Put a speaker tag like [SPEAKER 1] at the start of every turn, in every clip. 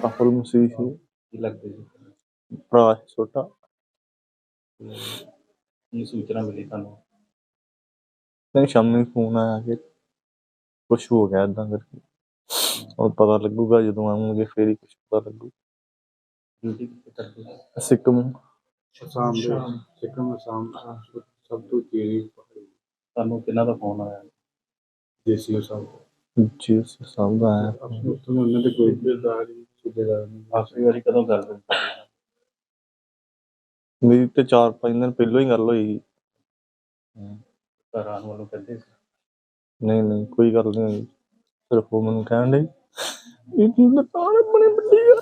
[SPEAKER 1] ਰਾਹੁਲ ਮਸੀਹ ਸੀ।
[SPEAKER 2] ਕੀ ਲੱਗਦੇ ਜੀ?
[SPEAKER 1] ਭਰਾ ਸੀ ਛੋਟਾ।
[SPEAKER 2] ਕੀ ਸੂਚਨਾ ਮਿਲੀ ਤੁਹਾਨੂੰ?
[SPEAKER 1] ਨਹੀਂ, ਸ਼ਾਮੀ ਫੋਨ ਆਇਆ ਕਿ ਕੁਛ ਹੋ ਗਿਆ ਏਦਾਂ ਕਰਕੇ। ਹੁਣ ਪਤਾ ਲੱਗੂਗਾ ਜਦੋਂ ਆਵਾਂਗੇ, ਫੇਰ ਹੀ ਕੁਛ ਪਤਾ ਲੱਗੂ।
[SPEAKER 2] ਡਿਊਟੀ ਕਿੱਥੇ ਕਰਦੇ ਜੀ?
[SPEAKER 1] ਸਿੱਕਮ।
[SPEAKER 3] ਅਸਾਮ ਸਭ ਤੋਂ ਤੇਜ਼
[SPEAKER 2] ਤੁਹਾਨੂੰ ਕਿਹਨਾਂ ਦਾ ਫੋਨ ਆਇਆ?
[SPEAKER 3] ਦੇਸੀ ਸਾਹਿਬ
[SPEAKER 1] ਜੀ ਸਾਹਿਬ ਦਾ ਆਇਆ।
[SPEAKER 3] ਉੱਥੋਂ ਉਹਨਾਂ ਦੇ ਕੋਈ ਸੂਬੇਦਾਰ ਨਹੀਂ।
[SPEAKER 2] ਆਖਰੀ ਵਾਰੀ ਕਦੋਂ ਗੱਲ ਹੋਈ?
[SPEAKER 1] ਮੇਰੀ ਤੇ 4-5 ਦਿਨ ਪਹਿਲਾਂ ਹੀ ਗੱਲ ਹੋਈ ਸੀ।
[SPEAKER 2] ਘਰ ਆਉਣ ਵੱਲੋਂ ਕਹਿੰਦੇ ਸੀ?
[SPEAKER 1] ਨਹੀਂ, ਕੋਈ ਗੱਲ ਨਹੀਂ ਹੋਈ। ਸਿਰਫ ਉਹ ਮੈਨੂੰ ਕਹਿਣ ਡਈ ਇਹ ਦੁਕਾਨ ਆਪਣੀ ਵੱਡੀ ਆ।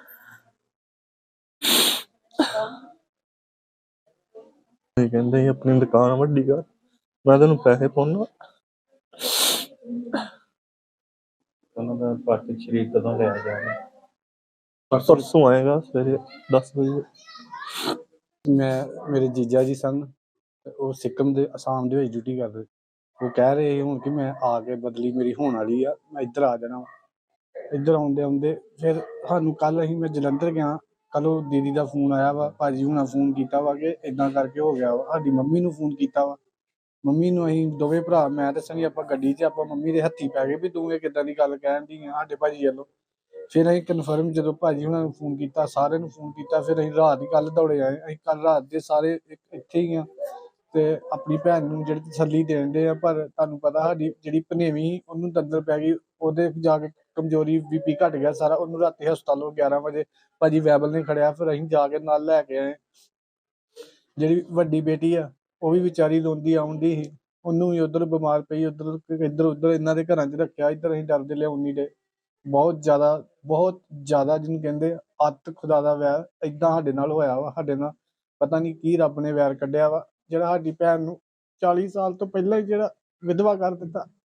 [SPEAKER 1] ਕਹਿੰਦੇ ਆਪਣੀ ਦੁਕਾਨ ਵੱਡੀ ਕਰ, ਮੈਂ ਤੈਨੂੰ ਪੈਸੇ ਪਾਉਣਾ।
[SPEAKER 2] ਉਹਨਾਂ ਦਾ ਪਾਰਥਿਵ ਸਰੀਰ ਕਦੋਂ ਲਿਆ ਜਾਵੇ?
[SPEAKER 1] ਪਰਸੋਂ ਆਏਗਾ ਸਵੇਰੇ 10 ਵਜੇ।
[SPEAKER 3] ਮੇਰੇ ਜੀਜਾ ਜੀ ਸਨ, ਉਹ ਸਿੱਕਮ ਦੇ ਅਸਾਮ ਦੇ ਵਿੱਚ ਡਿਊਟੀ ਕਰਦੇ। ਉਹ ਕਹਿ ਰਹੇ ਸੀ ਹੁਣ ਕਿ ਮੈਂ ਆ ਕੇ ਬਦਲੀ ਮੇਰੀ ਹੋਣ ਵਾਲੀ ਆ, ਮੈਂ ਇੱਧਰ ਆ ਜਾਣਾ। ਇੱਧਰ ਆਉਂਦੇ ਫਿਰ ਸਾਨੂੰ ਕੱਲ ਮੈਂ ਜਲੰਧਰ ਗਿਆ। ਕੱਲ ਉਹ ਦੀਦੀ ਦਾ ਫੋਨ ਆਇਆ ਵਾ, ਭਾਜੀ ਹੁਣਾਂ ਫੋਨ ਕੀਤਾ ਵਾ ਕਿ ਇੱਦਾਂ ਕਰਕੇ ਹੋ ਗਿਆ ਵਾ। ਸਾਡੀ ਮੰਮੀ ਨੂੰ ਫੋਨ ਕੀਤਾ ਵਾ। ਮੰਮੀ ਨੂੰ ਅਸੀਂ ਦੋਵੇਂ ਭਰਾ, ਮੈਂ ਤੇ ਸਨੀ, ਆਪਾਂ ਗੱਡੀ 'ਚ ਆਪਾਂ ਮੰਮੀ ਦੇ ਹੱਥੀਂ ਪੈ ਗਏ ਵੀ ਤੂੰ ਇਹ ਕਿੱਦਾਂ ਦੀ ਗੱਲ ਕਹਿਣ ਦੀ ਆ ਸਾਡੇ ਭਾਜੀ ਵੱਲੋਂ। ਫਿਰ ਅਸੀਂ ਕਨਫਰਮ ਜਦੋਂ ਭਾਜੀ ਹੁਣਾਂ ਨੂੰ ਫੋਨ ਕੀਤਾ, ਸਾਰਿਆਂ ਨੂੰ ਫੋਨ ਕੀਤਾ, ਫਿਰ ਅਸੀਂ ਰਾਤ ਹੀ ਕੱਲ੍ਹ ਦੌੜੇ ਆਏ। ਅਸੀਂ ਕੱਲ੍ਹ ਰਾਤ ਦੇ ਸਾਰੇ ਇੱਥੇ ਹੀ ਆ ਅਤੇ ਆਪਣੀ ਭੈਣ ਨੂੰ ਜਿਹੜੀ ਤਸੱਲੀ ਦੇਣ ਡੇ ਆ। ਪਰ ਤੁਹਾਨੂੰ ਪਤਾ ਸਾਡੀ ਜਿਹੜੀ ਭਨੇਵੀਂ ਉਹਨੂੰ ਅੰਦਰ ਪੈ ਗਈ, ਉਹਦੇ ਜਾ ਕੇ ਕਮਜ਼ੋਰੀ BP ਘੱਟ ਗਿਆ ਸਾਰਾ। ਉਹਨੂੰ ਰਾਤੀ ਹਸਪਤਾਲੋਂ 11 ਵਜੇ ਭਾਜੀ ਵੈਬਲ ਨੇ ਖੜਿਆ, ਫਿਰ ਅਸੀਂ ਜਾ ਕੇ ਨਾਲ ਲੈ ਕੇ ਆਏ। ਜਿਹੜੀ ਵੱਡੀ ਬੇਟੀ ਆ ਉਹ ਵੀ ਵਿਚਾਰੀ ਰੋਂਦੀ ਆਉਂਦੀ ਸੀ, ਉਹਨੂੰ ਵੀ ਉੱਧਰ ਬਿਮਾਰ ਪਈ, ਇੱਧਰ ਉੱਧਰ ਇਹਨਾਂ ਦੇ ਘਰਾਂ 'ਚ ਰੱਖਿਆ। ਇੱਧਰ ਅਸੀਂ ਡਰਦੇ ਲਿਆਉਣ ਨਹੀਂ ਡੇ। ਬਹੁਤ ਜ਼ਿਆਦਾ ਜਿਹਨੂੰ ਕਹਿੰਦੇ ਅੱਤ ਖੁਦਾ ਦਾ ਵੈਰ ਇੱਦਾਂ ਸਾਡੇ ਨਾਲ ਹੋਇਆ ਵਾ। ਸਾਡੇ ਨਾਲ ਪਤਾ ਨਹੀਂ ਕੀ ਰੱਬ ਨੇ ਵੈਰ ਕੱਢਿਆ ਵਾ, ਜਿਹੜਾ ਸਾਡੀ ਭੈਣ ਨੂੰ 40 ਸਾਲ ਤੋਂ ਪਹਿਲਾਂ ਹੀ ਜਿਹੜਾ ਵਿਧਵਾ ਕਰ ਦਿੱਤਾ।